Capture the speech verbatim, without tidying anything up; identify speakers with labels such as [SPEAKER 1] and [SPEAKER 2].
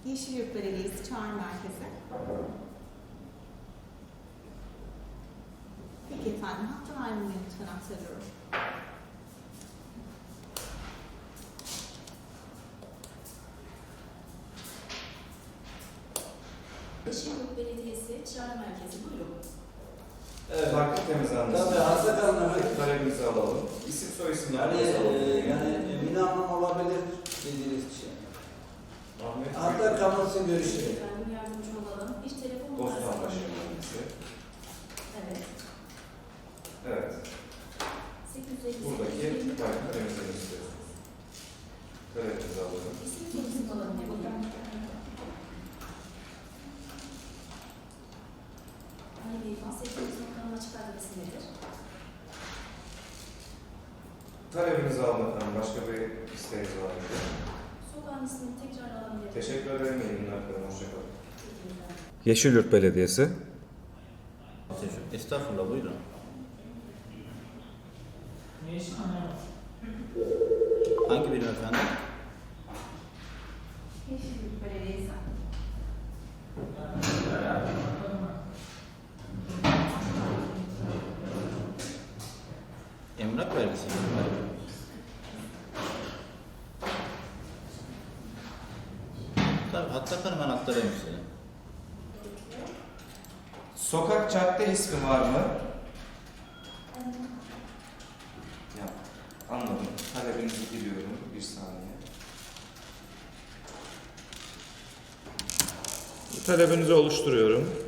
[SPEAKER 1] Yeşilyurt Belediyesi Çağrı Merkezi. Peki efendim, hatta ayrımını lütfen aktarıyorum.
[SPEAKER 2] Yeşilyurt Belediyesi Çağrı Merkezi, buyurun.
[SPEAKER 3] Evet, farklı temizlenmesi.
[SPEAKER 4] Tabii, hasta kalmadı.
[SPEAKER 3] Talebimizi alalım. İsim soy isim
[SPEAKER 4] Yani,
[SPEAKER 3] alalım.
[SPEAKER 4] e, yani Mine Hanım olabilir dediğiniz kişi.
[SPEAKER 3] Ahmet
[SPEAKER 4] Hatta kalmasın görüşürüz.
[SPEAKER 2] Efendim yardımcı olalım. Bir telefon
[SPEAKER 3] Bostan
[SPEAKER 2] numarası
[SPEAKER 3] başı
[SPEAKER 2] alalım.
[SPEAKER 3] mühendisi.
[SPEAKER 2] Evet.
[SPEAKER 3] Evet.
[SPEAKER 2] sekiz yüz elli
[SPEAKER 3] Buradaki
[SPEAKER 2] sekiz.
[SPEAKER 3] farklı temizlemek istiyorsunuz. Talebimizi alalım.
[SPEAKER 2] İsim soyisim alalım. Ne buyurun? Ali Bey, bahsettiğiniz noktanın açık adresi nedir?
[SPEAKER 3] Talebinizi almak efendim. Başka bir isteğiniz var mı?
[SPEAKER 2] Sokağın ismini tekrar alabilir.
[SPEAKER 3] Teşekkür ederim. İyi günler. Hoşçakalın.
[SPEAKER 2] Teşekkürler.
[SPEAKER 3] Yeşilyurt Belediyesi.
[SPEAKER 5] Estağfurullah, buyurun. Hangi birim efendim?
[SPEAKER 1] Yeşilyurt Belediyesi.
[SPEAKER 5] Emlak vergisi. Tabii, hatta hemen aktarayım size.
[SPEAKER 3] Sokak cadde ismi var mı? Ya, anladım. Talebinizi giriyorum. Bir saniye. Talebinizi oluşturuyorum.